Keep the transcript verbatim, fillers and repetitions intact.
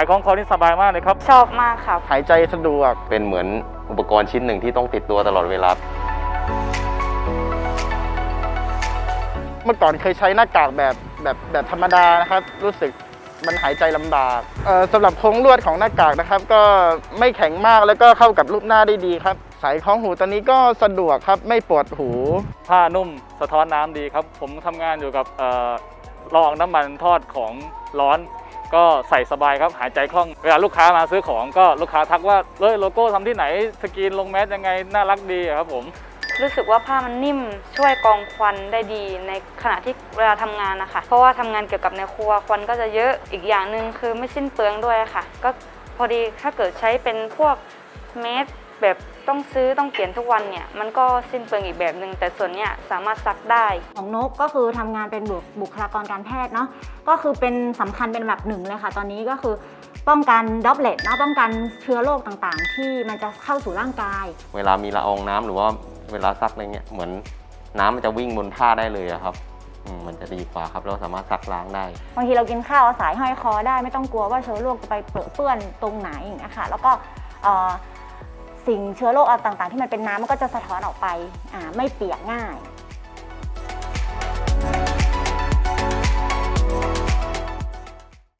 ายคล้องคอนี่สบายมากเลยครับชอบมากครับหายใจสะดวกเป็นเหมือนอุปกรณ์ชิ้นหนึ่งที่ต้องติดตัวตลอดเวลาเมื่อก่อนเคยใช้หน้ากากแบบแบบแบบธรรมดานะครับรู้สึกมันหายใจลำบากเอ่อสำหรับโครงลวดของหน้ากากนะครับก็ไม่แข็งมากแล้วก็เข้ากับรูปหน้าได้ดีครับสายคล้องหูตอนนี้ก็สะดวกครับไม่ปวดหูผ้านุ่มสะท้อนน้ำดีครับผมทำงานอยู่กับเอ่อรองน้ำมันทอดของร้อนก็ใส่สบายครับหายใจคล่องเวลาลูกค้ามาซื้อของก็ลูกค้าทักว่าเอ้ยโลโก้ทำที่ไหนสกรีนลงแมสยังไงน่ารักดีครับผมรู้สึกว่าผ้ามันนิ่มช่วยกรองควันได้ดีในขณะที่เวลาทำงานนะคะเพราะว่าทำงานเกี่ยวกับในครัวควันก็จะเยอะอีกอย่างหนึ่งคือไม่สิ้นเปลืองด้วยค่ะก็พอดีถ้าเกิดใช้เป็นพวกเมสแบบต้องซื้อต้องเปลี่ยนทุกวันเนี่ยมันก็สิ้นเปลืองอีกแบบหนึ่งแต่ส่วนเนี้ยสามารถซักได้ของนกก็คือทำงานเป็นบุคลากรการแพทย์เนาะก็คือเป็นสำคัญเป็นแบบหนึ่งเลยค่ะตอนนี้ก็คือป้องกันดอปเลตเนาะป้องกันเชื้อโรคต่างๆที่มันจะเข้าสู่ร่างกายเวลามีละอองน้ำหรือว่าเวลาซักอะไรเงี้ยเหมือนน้ำมันจะวิ่งบนผ้าได้เลยครับมันจะดีกว่าครับเราสามารถซักล้างได้บางทีเรากินข้าวเอาสายห้อยคอได้ไม่ต้องกลัวว่าเชื้อโรคจะไปเปื้อนตรงไหนอย่างเงี้ยค่ะแล้วก็สิ่งเชื้อโรคต่างๆที่มันเป็นน้ำมันก็จะสะท้อนออกไปไม่เปียกง่าย